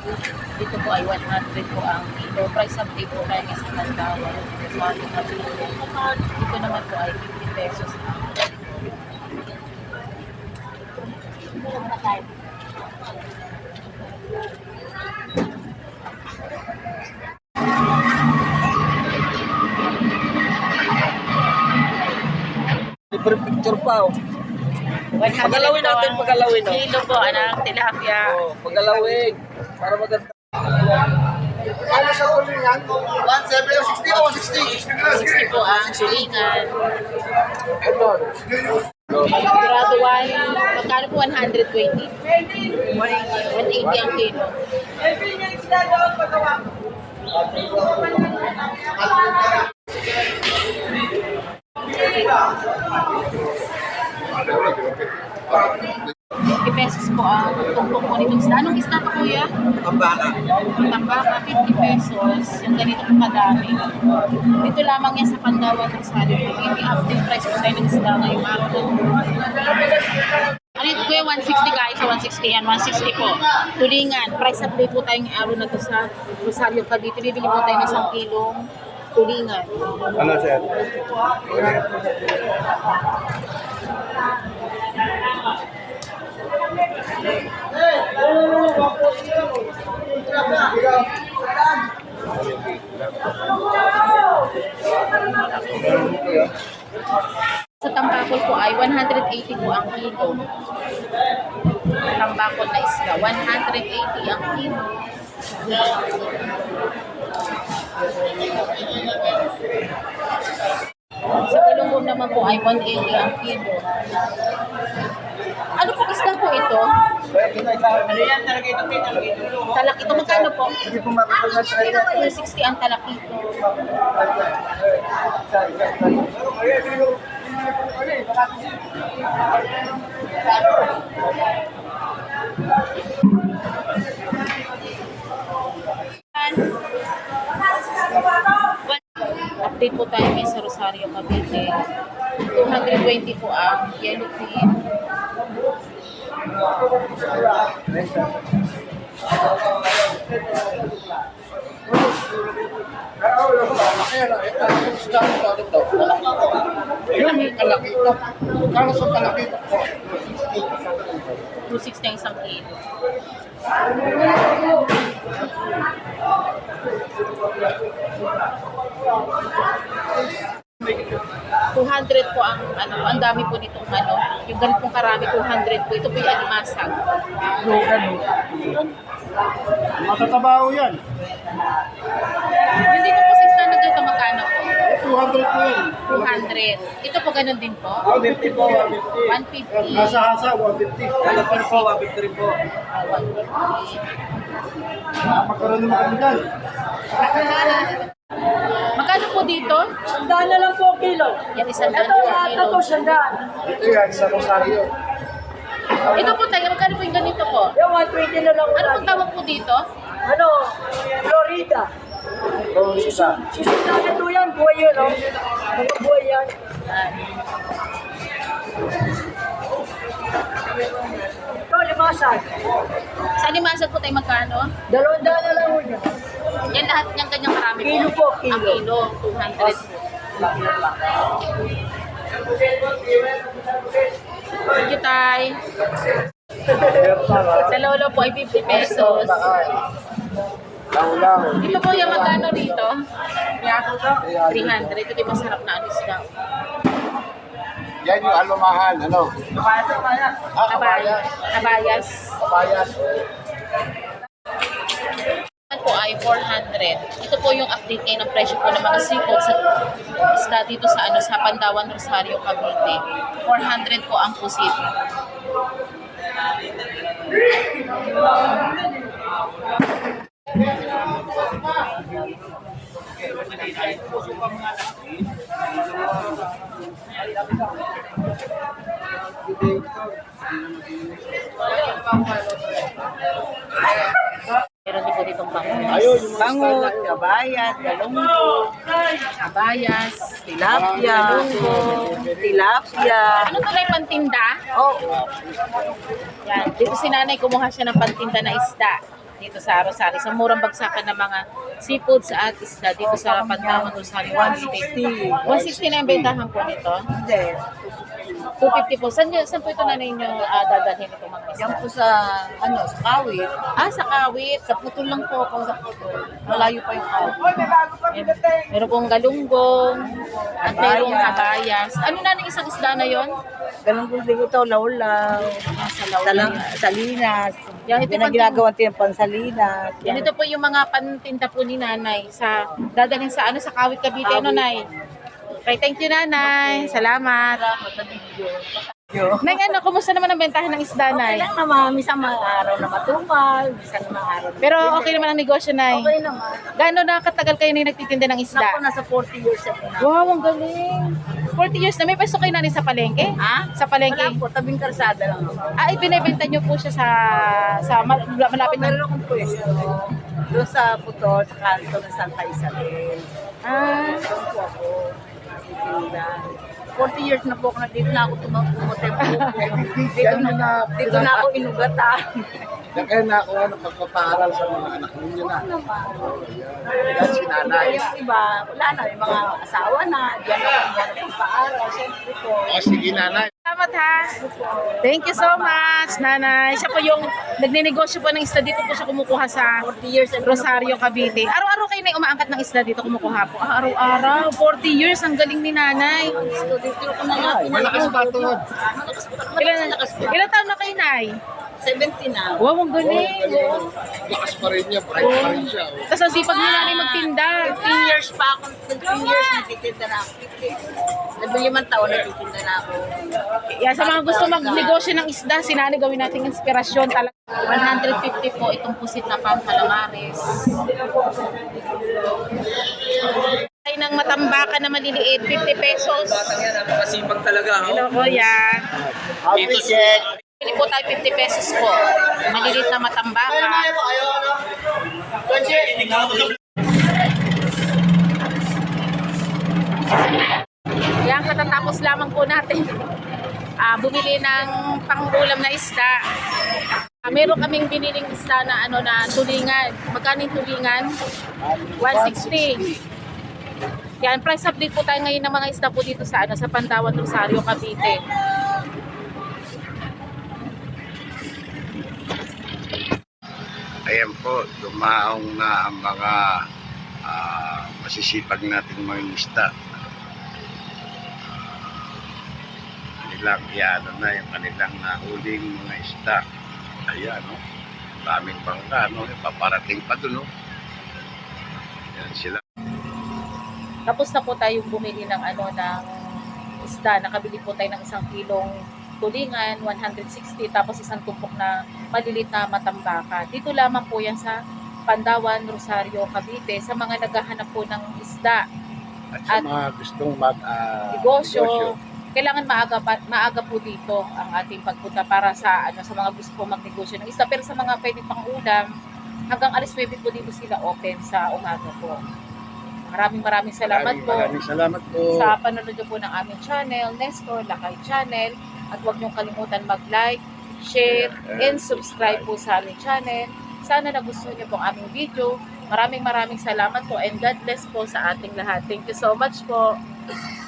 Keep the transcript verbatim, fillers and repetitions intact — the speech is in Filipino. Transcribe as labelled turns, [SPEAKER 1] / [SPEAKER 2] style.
[SPEAKER 1] Dito po ay one hundred po ang kilo. Price update po tayo sa Mandawan. Dito naman po ay fifty pesos.
[SPEAKER 2] Libre picture pa oh. Pagalawin natin, pagalawin oh.
[SPEAKER 1] Kilo po, anak, tilapia.
[SPEAKER 2] Oh, pagalawin. Para maganda.
[SPEAKER 3] Ano sa tulingan? one seventy o sixty o one sixty?
[SPEAKER 1] sixty po ang sulingan.
[SPEAKER 3] Ito.
[SPEAKER 1] Grado one, magkano po one hundred twenty? one eighty ang kilo. fifty pesos po ang tumpok po nitong isda. Anong isda pa kuya?
[SPEAKER 2] Tambaka.
[SPEAKER 1] Tambaka, fifty pesos. Yung ganito po kadami. Dito lamang yan sa Pandawan ng Sali. Hindi update price po tayo ng isda ngayong araw. Ano ito kuya? one sixty guys. So one sixty yan. one sixty po. Tulingan. Price update po tayo ng araw na to sa Rosario Cavite. Bibili po tayo ng isang kilong tulingan.
[SPEAKER 3] Ano sir?
[SPEAKER 1] Sa tambakol po ay one hundred eighty po ang kilo. Tambakol na isla, one hundred eighty ang kilo. Sa galunggong naman po ay one eighty ang kilo. Ano po isda po ito?
[SPEAKER 2] Ano yan? Talakito, talakito.
[SPEAKER 1] Talakito, magkano po?
[SPEAKER 2] Hindi po makakulat sa ito.
[SPEAKER 1] one sixty ang talakito. Update po tayo ngayon sa Rosario Cavite. two hundred twenty po ang yellow fin.
[SPEAKER 3] Yung kalakita. Kano sa kalakita?
[SPEAKER 1] two sixty ang isang kilo. two hundred po ang ano, ang dami po nitong ano, yung ganitong karami two hundred po. Ito po yung alimasag.
[SPEAKER 3] Matatabaho yan.
[SPEAKER 1] Yung dito po sa isla na ganito magkano po?
[SPEAKER 3] two hundred po yan.
[SPEAKER 1] two hundred. Ito po ganun din po?
[SPEAKER 3] one fifty po, one fifty.
[SPEAKER 1] one fifty.
[SPEAKER 3] Hasa-hasa, one fifty.
[SPEAKER 2] Ano po po, one fifty rin po.
[SPEAKER 1] Ah, one fifty.
[SPEAKER 3] Magkaroon naman kami dyan.
[SPEAKER 1] Magkano po dito?
[SPEAKER 4] Sandaan na lang po kilo.
[SPEAKER 1] Yan isang daan
[SPEAKER 4] Ito,
[SPEAKER 1] po
[SPEAKER 4] lahat
[SPEAKER 1] kilo.
[SPEAKER 4] na to, sandaan.
[SPEAKER 3] Ito yan, sa Rosario.
[SPEAKER 1] Ito po tayo, magkano po yung ganito po?
[SPEAKER 4] Yung one twenty na lang.
[SPEAKER 1] Ano pong tawag po dito?
[SPEAKER 4] Ano? Florida.
[SPEAKER 3] Oh, isa.
[SPEAKER 4] Sisitanin to yan, buhay yun, no? Mga buhay yan.
[SPEAKER 1] Yan.
[SPEAKER 4] Ito, limasan.
[SPEAKER 1] Sa limasag po tayo magkano?
[SPEAKER 4] Dalawang daan na lang po yan.
[SPEAKER 1] Yan lahat niyang ganyang karami po.
[SPEAKER 4] Kilo po, kilo.
[SPEAKER 1] Ang kilo, two hundred po. Thank you, Tay. Sa lolo po ay fifty pesos.
[SPEAKER 3] Lang-lang.
[SPEAKER 1] Ito po yung magkano rito? three hundred. Ito yung masarap na anis lang.
[SPEAKER 3] Yan yung alumahal, ano? Ah,
[SPEAKER 1] Abayas. Abayas.
[SPEAKER 3] Kabayas.
[SPEAKER 1] Ito po ay four hundred. Ito po yung update ngayon ng presyo po ng mga seafood sa isda dito sa ano sa Pandawan, Rosario, Cavite. four hundred po ang pusit. Meron din po ditong bangus.
[SPEAKER 3] Ayun, yung mga
[SPEAKER 2] Bangot, kabayat, galunggo,
[SPEAKER 1] Abayas.
[SPEAKER 2] tilapia, tilapia.
[SPEAKER 1] Ano to na yung pantinda?
[SPEAKER 2] Oh,
[SPEAKER 1] Yan. Dito si nanay kumuha siya ng pantinda na isda. dito sa Rosario. Sa murang bagsakan ng mga seafoods at isda dito sa Pantawan, Rosario. one sixty. one sixty na yung bentahan po nito.
[SPEAKER 4] Hindi.
[SPEAKER 1] two fifty po. Saan, yun- saan po ito na ninyo uh, dadalhin itong mga isda?
[SPEAKER 4] Yan po sa, ano, sa Kawit.
[SPEAKER 1] Ah, sa Kawit.
[SPEAKER 4] Sa Putol lang po ako sa Putol. Malayo pa yung Kawit.
[SPEAKER 1] Ayan. Meron pong galunggong at merong habayas. Ano na ng isang isda na yon?
[SPEAKER 4] Ganun po din ito, laulaw.
[SPEAKER 1] Sa
[SPEAKER 4] Salang, salinas.
[SPEAKER 1] Yan, ito
[SPEAKER 4] Yan ang
[SPEAKER 1] pang-
[SPEAKER 4] ginagawa natin ng pansalinas.
[SPEAKER 1] Yan, ito po yung mga pantinda po ni nanay sa dadalhin sa ano sa Kawit Cavite, ano nay? Okay, thank you nanay. Salamat. Nay, ano, kumusta naman ang bentahan ng isda,
[SPEAKER 4] Okay
[SPEAKER 1] nay?
[SPEAKER 4] lang naman, minsan mga araw na matumal, minsan mga araw na
[SPEAKER 1] Pero okay naman ang negosyo, nay.
[SPEAKER 4] okay naman.
[SPEAKER 1] Gaano na katagal kayo na nagtitinda ng
[SPEAKER 4] Naku,
[SPEAKER 1] isda?
[SPEAKER 4] nasa forty years ako na.
[SPEAKER 1] Wow, ang galing. forty years na. May pwesto kayo nanay sa palengke?
[SPEAKER 4] Ha?
[SPEAKER 1] Sa palengke?
[SPEAKER 4] Wala po, tabing karsada lang ako.
[SPEAKER 1] Ah, ibinebenta nyo po siya sa sa mal- malapit na...
[SPEAKER 4] Meron akong pwesto doon sa Putol, sa kanto ng Santa Isabel.
[SPEAKER 1] Ah,
[SPEAKER 4] Doon po ako. nagtitinda. forty years na po ako na dito na ako tumagpumote po. Dito na, dito na ako inugatan.
[SPEAKER 3] Yan kaya na ako ano, pagpapaaral sa mga anak ninyo na. Yan si nanay.
[SPEAKER 4] Yung iba, wala na, yung mga asawa na, diyan ako diyan ako paaral. Siyempre po.
[SPEAKER 3] O sige nanay.
[SPEAKER 1] salamat ha. Thank you so much, nanay. Siya po yung nagninegosyo po ng isda dito po siya kumukuha sa
[SPEAKER 4] forty years ago.
[SPEAKER 1] Rosario, Cavite. Araw-araw kayo na umaangkat ng isda dito kumukuha po. Ah, araw-araw. forty years. Ang galing ni nanay.
[SPEAKER 4] Dito ko na nga.
[SPEAKER 3] Malakas ba ito?
[SPEAKER 4] Malakas po.
[SPEAKER 1] Ilan,
[SPEAKER 4] Malakas po.
[SPEAKER 1] ilan taon na kayo, nay?
[SPEAKER 4] seventy na.
[SPEAKER 1] Wow, ang galing. Wow.
[SPEAKER 3] Lakas pa rin niya. Bright pa rin siya. oh.
[SPEAKER 1] Tapos ang sipag ni nanay magtinda.
[SPEAKER 4] fifteen years pa ako. fifteen years nagtitinda na ako. fifteen. Nabilimang taon nagtitinda na ako.
[SPEAKER 1] Yan, sa mga gusto magnegosyo ng isda, si nanay gawin nating inspirasyon talaga. one hundred fifty po itong pusit na pang calamares. Ay ng matambakan na maliliit, fifty pesos.
[SPEAKER 2] Batang yan, napakasipag talaga. Oh.
[SPEAKER 1] Hello, kuya.
[SPEAKER 3] Happy check.
[SPEAKER 1] Pili po tayo fifty pesos po. Maliliit na matambakan. Yan, katatapos lamang po natin ah bumili ng pangulam na isda. Ah, meron kaming biniling isda na ano na tulingan. Magkano yung tulingan? one sixty. Yan, price update po tayo ngayon ng mga isda po dito sa ano sa Pantawan, Rosario, Cavite.
[SPEAKER 5] Ayan po, dumaong na ang mga ah, masisipag nating mga isda. Nilang iano na yung kanilang nahuling mga isda. Ayan, no? Daming bangka, no? Paparating pa doon, no? Ayan sila.
[SPEAKER 1] Tapos na po tayong bumili ng ano ng isda. Nakabili po tayo ng isang kilong tulingan, one hundred sixty, tapos isang tumpok na maliliit na matambaka. Dito lamang po yan sa Pandawan, Rosario, Cavite, sa mga naghahanap po ng isda.
[SPEAKER 3] At sa
[SPEAKER 1] At-
[SPEAKER 3] mga gustong mag ah,
[SPEAKER 1] Negosyo. Kailangan maaga pa, maaga po dito ang ating pagpunta para sa ano sa mga gusto po magnegosyo ng isda. Pero sa mga pwede pang ulam, hanggang alas nuwebe po dito sila open sa umaga po. Maraming maraming salamat
[SPEAKER 3] Maraming,
[SPEAKER 1] po.
[SPEAKER 3] maraming salamat po.
[SPEAKER 1] Sa panonood niyo po ng aming channel, Nestor Lakay Channel. At huwag niyong kalimutan mag-like, share, and subscribe po sa aming channel. Sana nagustuhan niyo po ang aming video. Maraming maraming salamat po and God bless po sa ating lahat. Thank you so much po.